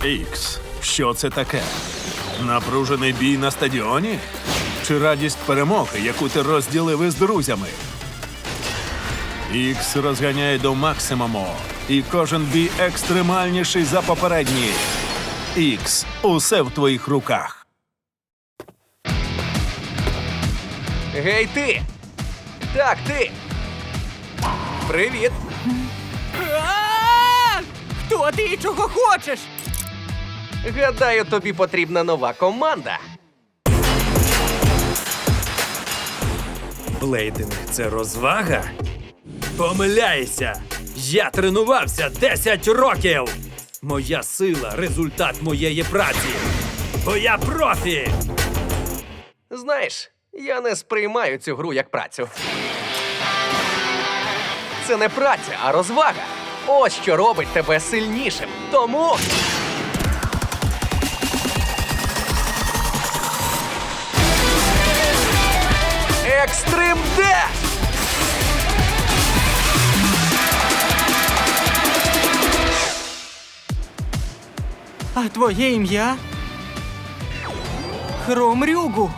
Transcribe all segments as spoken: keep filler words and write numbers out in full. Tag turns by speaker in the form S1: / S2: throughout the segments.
S1: Ікс, що це таке? Напружений бій на стадіоні? Чи радість перемоги, яку ти розділив із друзями? Ікс розганяє до максимуму, і кожен бій екстремальніший за попередній. Ікс, усе в твоїх руках.
S2: Гей, ти! Так, ти! Привіт!
S3: А! Хто ти і чого хочеш?
S2: Гадаю, тобі потрібна нова команда.
S4: Блейдинг – це розвага? Помиляйся! Я тренувався десять років! Моя сила – результат моєї праці! Бо я профі!
S2: Знаєш, я не сприймаю цю гру як працю. Це не праця, а розвага. Ось що робить тебе сильнішим. Тому... Екстрим Деш!
S3: А твоє ім'я? Хром Рюгу.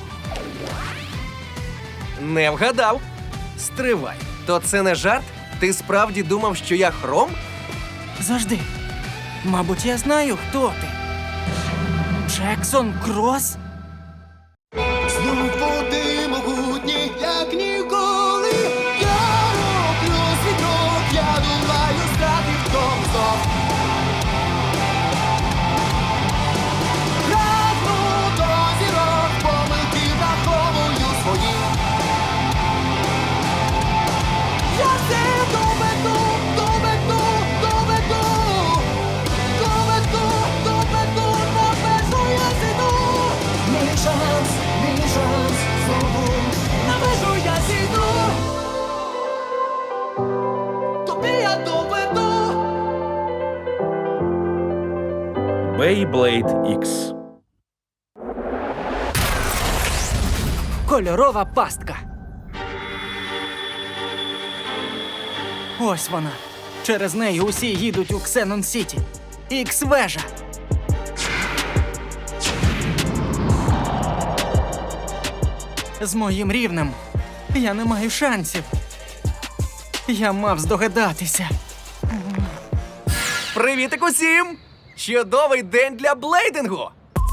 S2: Не вгадав. Стривай. То це не жарт? Ти справді думав, що я Хром?
S3: Завжди. Мабуть, я знаю, хто ти. Джексон Крос?
S5: Знов води могутні, як ніколи. Я роблю свій крок, я думаю, стати в тому знов. Прагну до зірок, помилки враховую свої. Я це доведу, доведу, доведу. Доведу, доведу, на межу я зійду. Мій шанс, мій шанс, знову на межу я зійду. Тобі я доведу.
S4: Beyblade Ікс.
S3: Кольорова пастка. Ось вона. Через неї усі їдуть у Ксенон Сіті. Ікс-вежа. З моїм рівнем я не маю шансів. Я мав здогадатися.
S2: Привітик усім! Чудовий день для блейдингу!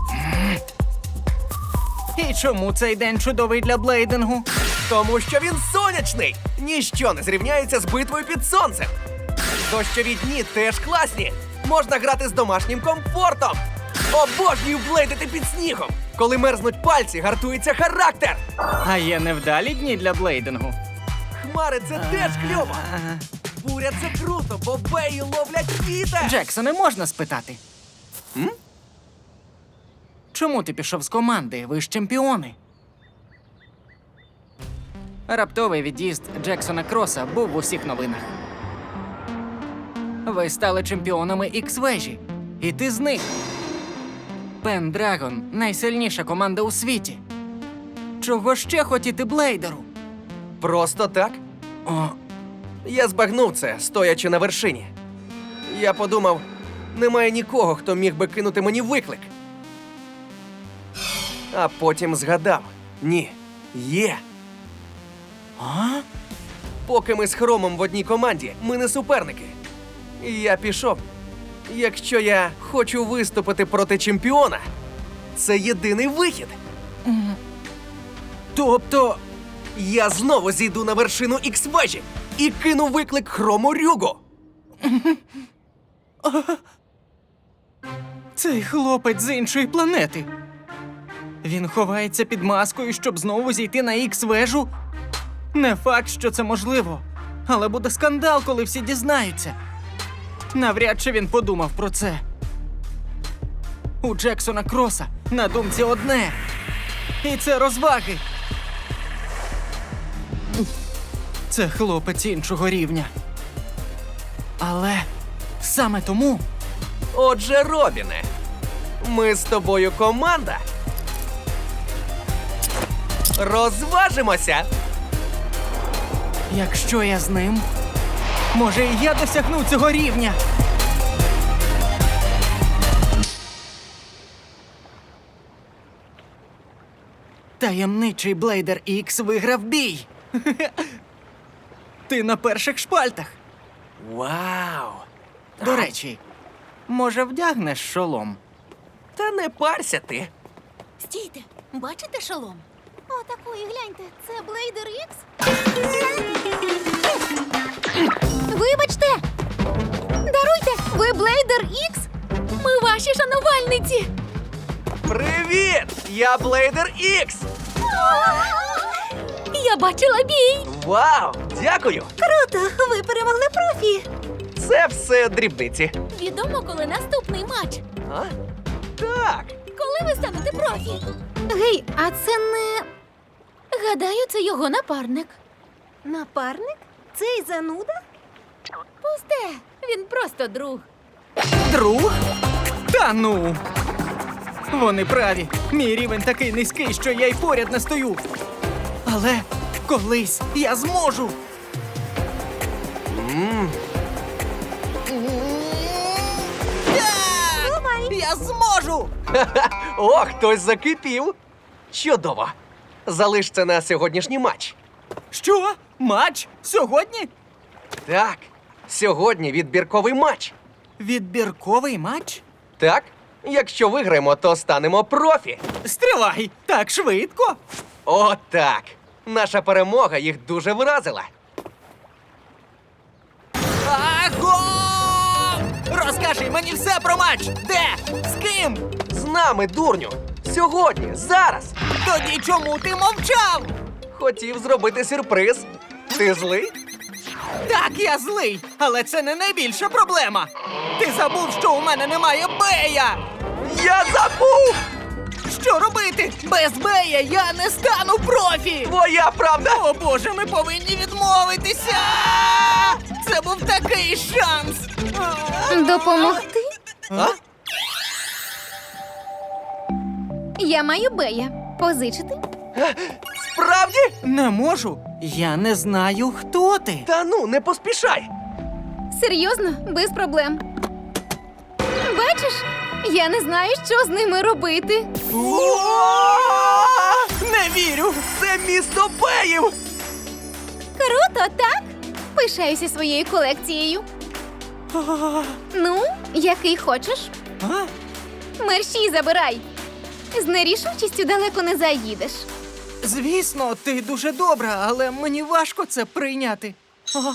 S3: І чому цей день чудовий для блейдингу?
S2: Тому що він сонячний! Ніщо не зрівняється з битвою під сонцем! Дощові дні теж класні! Можна грати з домашнім комфортом! Обожнюю блейдити під снігом! Коли мерзнуть пальці, гартується характер!
S3: А є невдалі дні для блейдингу.
S2: Хмари – це теж кльово! Буря – це круто, бо беї ловлять вітер!
S3: Джексоне, можна спитати?
S2: М?
S3: Чому ти пішов з команди? Ви ж чемпіони. Раптовий від'їзд Джексона Кроса був в усіх новинах. Ви стали чемпіонами Ікс-вежі. І ти з них. Пендрагон – найсильніша команда у світі. Чого ще хотіти блейдеру?
S2: Просто так?
S3: О,
S2: Я збагнув це, стоячи на вершині. Я подумав, немає нікого, хто міг би кинути мені виклик. А потім згадав, ні, є.
S3: а?
S2: Поки ми з Хромом в одній команді, ми не суперники. І я пішов. Якщо я хочу виступити проти чемпіона, це єдиний вихід.
S3: Тобто,
S2: Я знову зійду на вершину Ікс-вежі і кину виклик Хрому Рюгу.
S3: цей хлопець з іншої планети. Він ховається під маскою, щоб знову зійти на Ікс-вежу? Не факт, що це можливо. Але буде скандал, коли всі дізнаються. Навряд чи він подумав про це. У Джексона Кроса на думці одне. І це розваги. Це хлопець іншого рівня. Але саме тому...
S2: Отже, Робіне, ми з тобою команда. Розважимося!
S3: Якщо я з ним, може і я досягну цього рівня. Таємничий Блейдер Ікс виграв бій. Ти на перших шпальтах.
S2: Вау!
S3: До речі, може, вдягнеш шолом?
S2: Та не парся ти.
S6: Стійте, бачите шолом? О, такої, гляньте, це Блейдер Ікс? Вибачте! Даруйте, ви Блейдер Ікс? Ми ваші шанувальниці!
S2: Привіт! Я Блейдер Ікс!
S6: Я бачила бій!
S2: Вау! Дякую!
S6: Круто! Ви перемогли профі!
S2: Це все дрібниці.
S6: Відомо, коли наступний матч.
S2: А? Так.
S6: Коли ви станете профі? Гей, а це не. Гадаю, це його напарник. Напарник? Цей зануда? Пусте, він просто друг.
S3: Друг? Та ну! Вони праві. Мій рівень такий низький, що я й поряд не стою. Але колись я зможу. Я! Я зможу!
S2: О, хтось закипів. Чудово. Залиш це на сьогоднішній матч.
S3: Що? Матч? Сьогодні?
S2: Так. Сьогодні відбірковий матч.
S3: Відбірковий матч?
S2: Так? Якщо виграємо, то станемо профі.
S3: Стривай! Так швидко!
S2: О, так. Наша перемога їх дуже вразила.
S3: Аго! Розкажи мені все про матч! Де? З ким?
S2: З нами, дурню. Сьогодні, зараз.
S3: Тоді чому ти мовчав?
S2: Хотів зробити сюрприз. Ти злий?
S3: Так, я злий, але це не найбільша проблема. Ти забув, що у мене немає Бея!
S2: Я забув!
S3: Що робити? Без Бея я не стану профі!
S2: Твоя правда!
S3: О боже, ми повинні відмовитися! Це був такий шанс!
S6: Допомогти?
S2: А?
S6: Я маю Бея. Позичити?
S2: Справді?
S3: Не можу. Я не знаю, хто ти.
S2: Та ну, не поспішай.
S6: Серйозно, без проблем. Бачиш, я не знаю, що з ними робити.
S3: Не вірю!
S2: Це місто Беїв!
S6: Круто, так? Пишаюся своєю колекцією. Ну, який хочеш?
S3: А?
S6: Мерщій забирай. З нерішучістю далеко не заїдеш.
S3: Звісно, ти дуже добра, але мені важко це прийняти. А?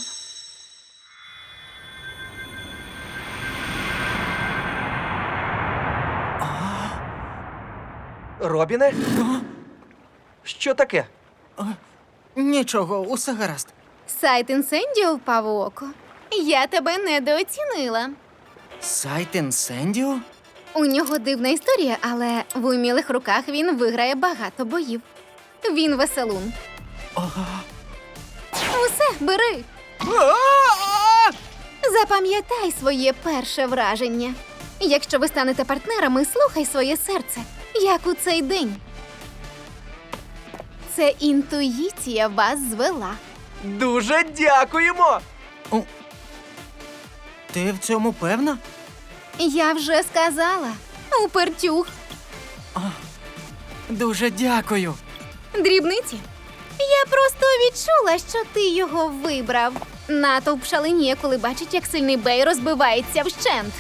S2: Робіне? Що таке?
S3: Нічого, усе гаразд.
S6: Сайт Інсендіо впав у око. Я тебе недооцінила.
S3: Сайт Інсендіо?
S6: У нього дивна історія, але в умілих руках він виграє багато боїв. Він веселун. Усе, бери.
S3: А-а-а!
S6: Запам'ятай своє перше враження. Якщо ви станете партнерами, слухай своє серце, як у цей день. Це інтуїція вас звела.
S2: Дуже дякуємо!
S3: О, ти в цьому певна?
S6: Я вже сказала. Упертюх.
S3: Дуже дякую.
S6: Дрібниці. Я просто відчула, що ти його вибрав. Натовп шаленіє, коли бачить, як сильний Бей розбивається вщент.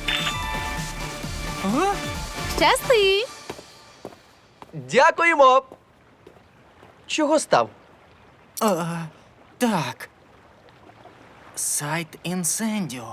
S3: А?
S6: Щасти!
S2: Дякуємо! Чого став?
S3: А, так. Сайт Інсендіо.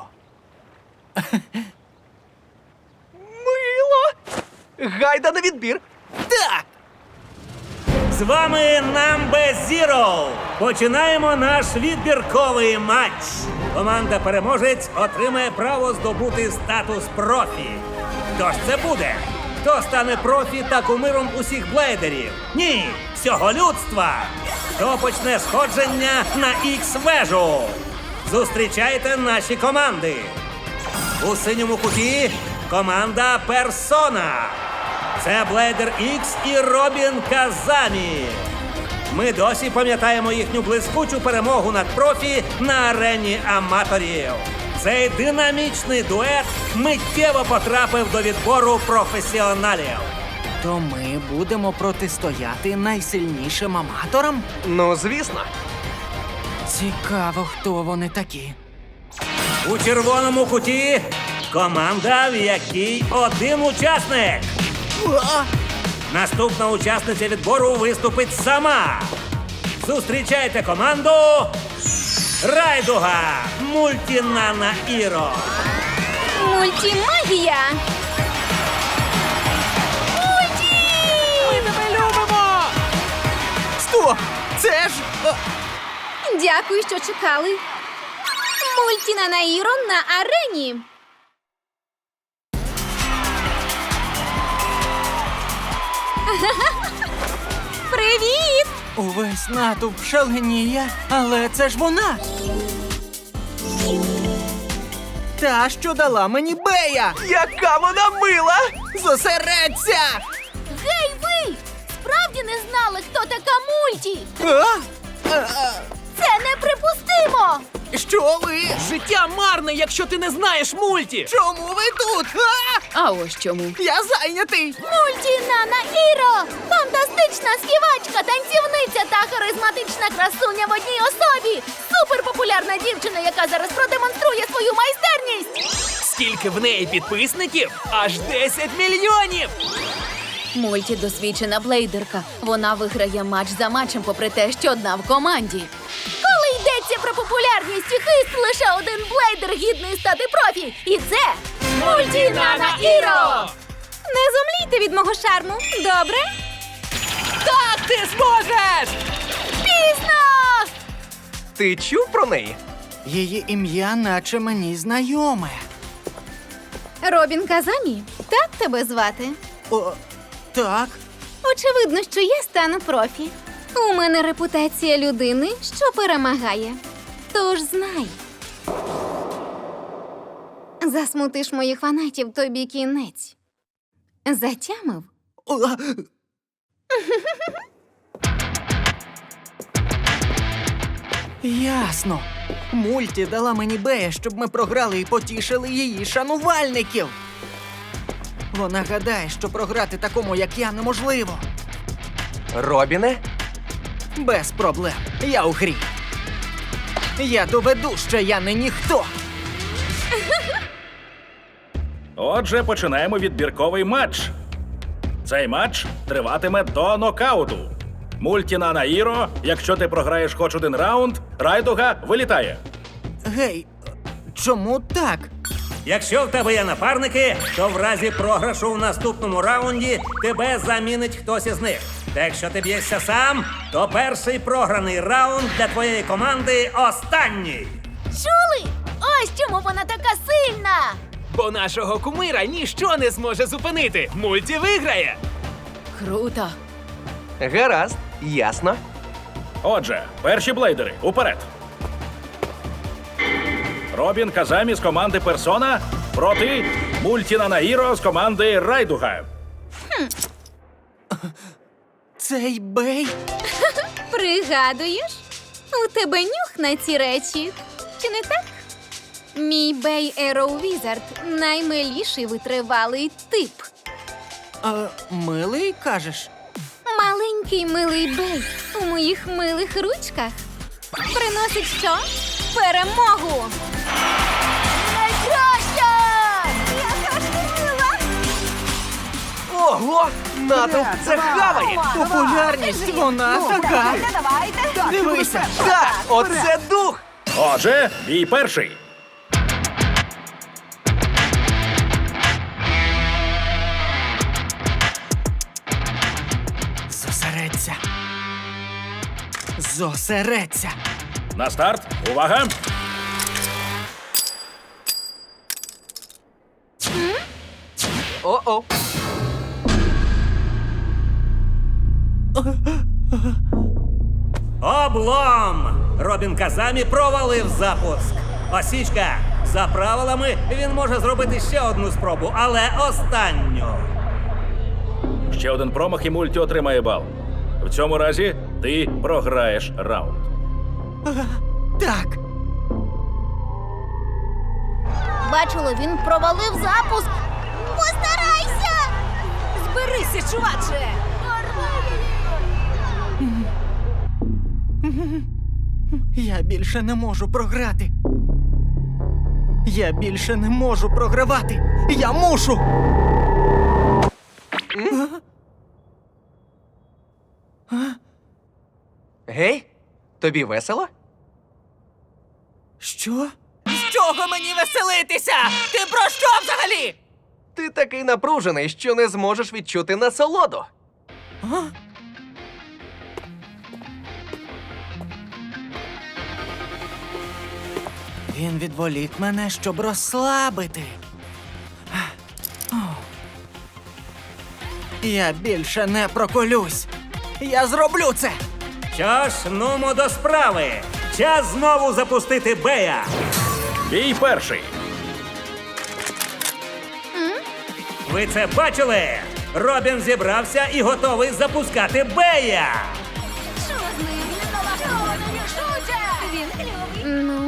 S2: Мило! Гайда на відбір!
S3: Так!
S4: З вами Number Zero. Починаємо наш відбірковий матч. Команда-переможець отримає право здобути статус профі. Хто ж це буде? Хто стане профі та кумиром усіх блейдерів? Ні, всього людства. Хто почне сходження на Ікс-вежу? Зустрічайте наші команди. У синьому куті команда Персона. Це Блейдер Ікс і Робін Казамі. Ми досі пам'ятаємо їхню блискучу перемогу над профі на арені аматорів. Цей динамічний дует миттєво потрапив до відбору професіоналів.
S3: Тобто ми будемо протистояти найсильнішим аматорам?
S2: Ну, звісно.
S3: Цікаво, хто вони такі.
S4: У червоному куті команда, в якій один учасник. Наступна учасниця відбору виступить сама. Зустрічайте команду Райдуга Мультінана Іро.
S6: Мультімагія! Мульті!
S3: Ми тебе любимо! Стоп! Це ж... а,
S6: Дякую, що чекали. Мультіна Наїро на арені. Привіт!
S3: Увесь натовп шаленіє, але це ж вона! Та, що дала мені Бея!
S2: Яка вона мила!
S3: Зосередься!
S6: Гей, ви! Справді не знали, хто така Мульті?
S3: А? А,
S6: Це неприпустимо!
S3: що ви?
S2: Життя марне, якщо ти не знаєш мульті!
S3: Чому ви тут? А!
S6: А ось чому.
S3: Я зайнятий!
S6: Мультінана Іро! Фантастична співачка, танцівниця та харизматична красуня в одній особі! Суперпопулярна дівчина, яка зараз продемонструє свою майстерність!
S2: Скільки в неї підписників? Аж десять мільйонів!
S6: Мульті досвідчена блейдерка. Вона виграє матч за матчем, попри те, що одна в команді. Коли йдеться про популярність і хист, лише один блейдер гідний стати профі. І це Мультінана Іро! Не зумлійте від мого шарму, добре?
S2: Так ти зможеш!
S6: Пізно!
S2: Ти чув про неї?
S3: Її ім'я наче мені знайоме.
S6: Робін Казамі, так тебе звати?
S3: О, так?
S6: Очевидно, що я стану профі. У мене репутація людини, що перемагає. Тож знай. Засмутиш моїх фанатів, тобі кінець. Затямив?
S3: О, ясно. Мульті дала мені Бея, щоб ми програли і потішили її шанувальників. Вона гадає, що програти такому, як я, неможливо.
S2: Робіне?
S3: Без проблем. Я у грі. Я доведу, що я не ніхто.
S1: Отже, починаємо відбірковий матч. Цей матч триватиме до нокауту. Мультінана Іро, якщо ти програєш хоч один раунд, Райдуга вилітає.
S3: Гей, чому так?
S4: Якщо в тебе є напарники, то в разі програшу в наступному раунді тебе замінить хтось із них. Та якщо ти б'єшся сам, то перший програний раунд для твоєї команди останній.
S6: Чули? Ось чому вона така сильна!
S2: Бо нашого кумира ніщо не зможе зупинити. Мульті виграє!
S6: Круто!
S2: Гаразд, ясно.
S1: Отже, перші блейдери, уперед. Робін Казамі з команди Персона проти Мультінана Іро з команди Райдуга.
S3: Цей Бей?
S6: Пригадуєш? У тебе нюх на ці речі. Чи не так? Мій Бей Ероу Візард – наймиліший витривалий тип.
S3: А, милий, кажеш?
S6: Маленький милий Бей у моїх милих ручках приносить що? Перемогу! Найкраща! Яка ж ти мила!
S2: Ого! Натовп це хаває!
S3: Популярність вона така. Дивися.
S2: Так, оце дух!
S1: Отже, бій перший.
S3: Зосередься. Зосередься.
S1: На старт. Увага!
S2: О-о!
S4: Облом! Робін Казамі провалив запуск. Осічка, за правилами він може зробити ще одну спробу, але останню.
S1: Ще один промах і Мульті отримає бал. В цьому разі ти програєш раунд.
S3: Так.
S6: Бачила, він провалив запуск. Постарайся! Зберися, чуваче!
S3: Я більше не можу програти. Я більше не можу програвати. Я мушу.
S2: Гей, тобі весело?
S3: Що?
S2: З чого мені веселитися? Ти про що взагалі? Ти такий напружений, що не зможеш відчути насолоду.
S3: А? Він відволік мене, щоб розслабити. О. Я більше не проколюсь. Я зроблю це.
S4: Що ж, нумо до справи. Час знову запустити Бея.
S1: Бій перший.
S4: Ви це бачили? Робін зібрався і готовий запускати Бея.
S6: Що з ним? Він налаштований шутя! Він кльовий. Ну?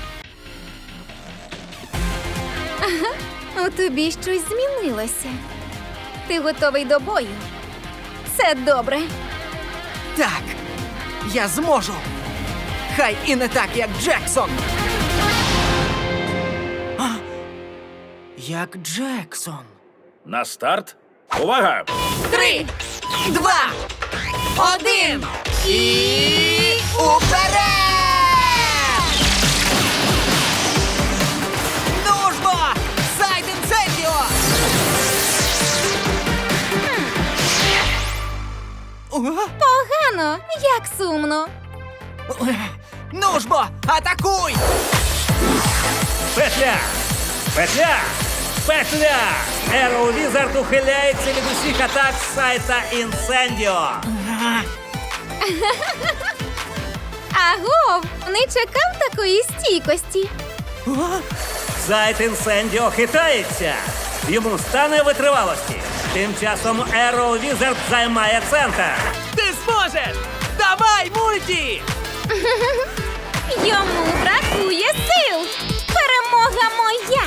S6: Ага, у тобі щось змінилося. Ти готовий до бою. Це добре.
S3: Так, я зможу. Хай і не так, як Джексон. А? Як Джексон.
S1: На старт. Увага!
S3: Три, два, один і уперед! Ну ж бо! Сайд інцендіо!
S6: Погано, як сумно.
S3: Ну ж бо, атакуй!
S4: Петля! Петля! Петля! Arrow Wizard ухиляється від усіх атак сайта Інсендіо.
S6: Агов, не чекав такої стійкості.
S4: Сайт Інсендіо хитається. Йому стане витривалості. Тим часом Arrow Wizard займає центр.
S2: Ти зможеш! Давай, мульті!
S6: Йому бракує сил. Перемога моя.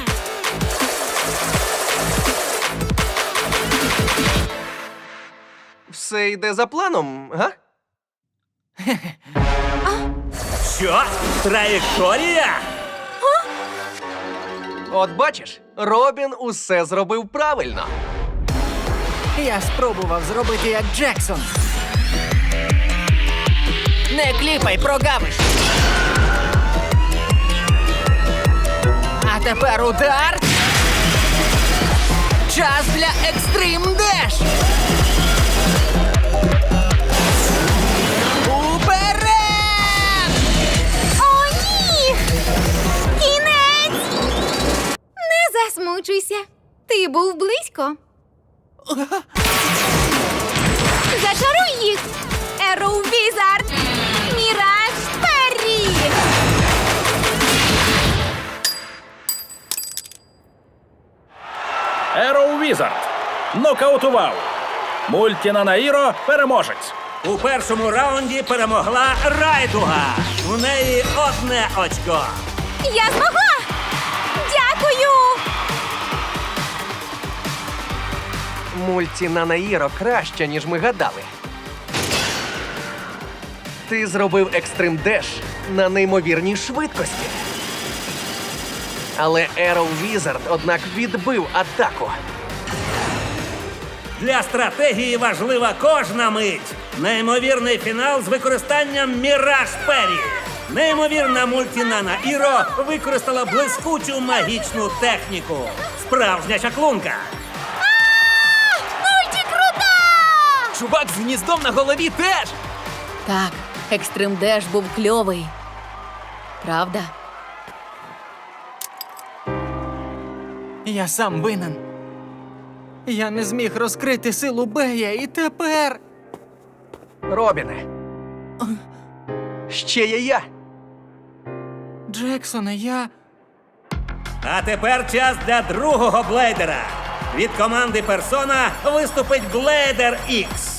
S2: Все йде за планом, га?
S4: Що? Траєкторія?
S2: От бачиш, Робін усе зробив правильно.
S3: Я спробував зробити як Джексон. Не кліпай, прогавиш. А тепер удар. Час для екстрим деш. Уперед!
S6: О, ні! Кінець! Не засмучуйся. Ти був близько. Зачаруй їх! Arrow Wizard! Міраж Перрі!
S1: Arrow Wizard. Нокаутував. Мультіна Наїро переможець.
S4: У першому раунді перемогла Райдуга. У неї одне очко.
S6: Я змогла! Дякую!
S2: Мульті на Наїро краще, ніж ми гадали. Ти зробив екстрим деш на неймовірній швидкості. Але Arrow Wizard, однак, відбив атаку.
S4: Для стратегії важлива кожна мить. Неймовірний фінал з використанням Міраж Перрі. Неймовірна мультінана Іро використала блискучу магічну техніку. Справжня чаклунка.
S6: Мульті крута!
S2: Чувак з гніздом на голові теж!
S7: Так, Екстрим Деш був кльовий. Правда?
S3: Я сам винен. Я не зміг розкрити силу Бея і тепер.
S2: Робіне. Ще є я.
S3: Джексоне, я.
S4: А тепер час для другого блейдера. Від команди Персона виступить Блейдер Ікс.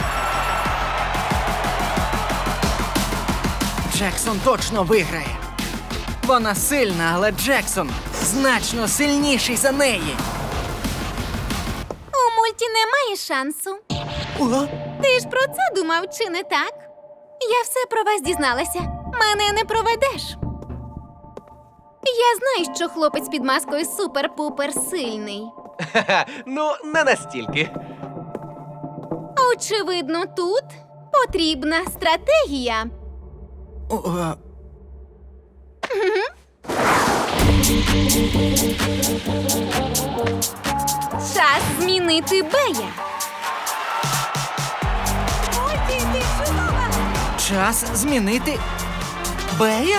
S3: Джексон точно виграє. Вона сильна, але Джексон значно сильніший за неї.
S6: У Морті немає шансу. Ти ж про це думав, чи не так? Я все про вас дізналася. Мене не проведеш. Я знаю, що хлопець під маскою супер-пупер сильний.
S2: Ха-ха, ну, не настільки.
S6: Очевидно, тут потрібна стратегія.
S3: О, е,
S6: Час змінити Бея. Морті, ти чудова!
S3: час змінити Бея?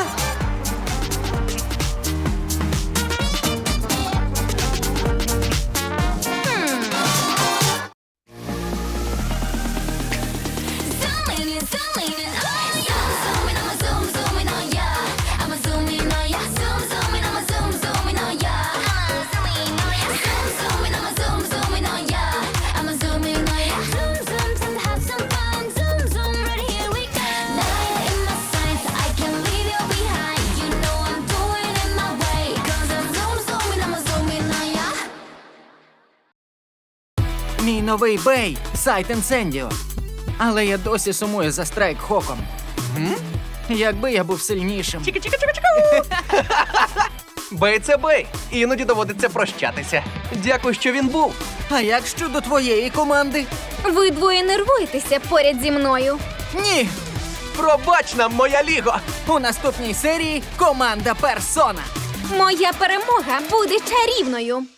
S8: Zooming in, zooming in, oh yeah. Zooming, I'ma zoom, zooming, oh yeah. I'ma zoom in, oh yeah. Zoom, zooming, I'ma zoom, zooming, oh yeah. I'ma zoom in, oh yeah. Zoom, zooming, I'ma zoom, zooming, oh yeah. I'ma zoom in, oh yeah. Zoom, zoom, zoom, have some fun. Zoom, zoom, right here we go. Nine in my sights, I can't leave you behind. You know I'm doing it my way. 'Cause I'm zoom, zooming, I'ma zoom in, oh yeah.
S3: Мій новий Бей Сайт Інсендіо. Але я досі сумую за Страйк Хоком. Якби я був сильнішим.
S2: Бей це бей. Іноді доводиться прощатися. Дякую, що він був.
S3: А як щодо твоєї команди?
S6: Ви двоє нервуєтеся поряд зі мною.
S3: Ні!
S2: Пробач нам, моя ліго!
S3: У наступній серії команда Персона.
S6: Моя перемога буде чарівною.